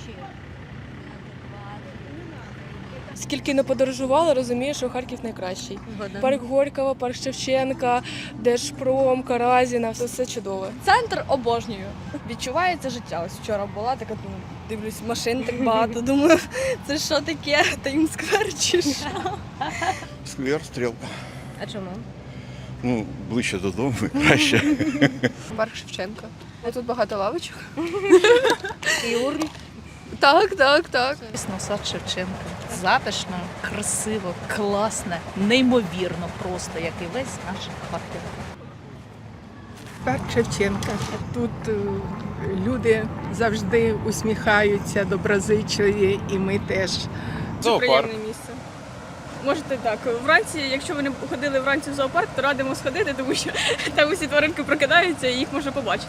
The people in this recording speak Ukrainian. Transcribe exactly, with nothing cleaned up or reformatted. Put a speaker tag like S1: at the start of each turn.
S1: Скільки не подорожувала, розумію, що Харків найкращий.
S2: Згоден.
S1: Парк Горького, парк Шевченка, Держпром, Каразіна, все, все чудове.
S3: Центр обожнюю. Відчувається життя. Ось вчора була, така думаю, дивлюсь, машин так багато. Думаю, це що таке? Таймсквер чи що?
S4: Сквер, стрілка.
S2: А чому?
S4: Ну, ближче додому, краще.
S1: Парк Шевченка. Тут багато лавочок.
S2: І урн.
S1: Так, так, так.
S5: Звісно, сад Шевченка. Затишно, красиво, класно, неймовірно просто, як і весь наш Харків.
S6: Парк Шевченка. Тут е, люди завжди усміхаються, доброзичливі, і ми теж.
S7: Це приємне місце. Можете так. Вранці, якщо ви не ходили вранці в зоопарк, то радимо сходити, тому що там усі тваринки прокидаються і їх можна побачити.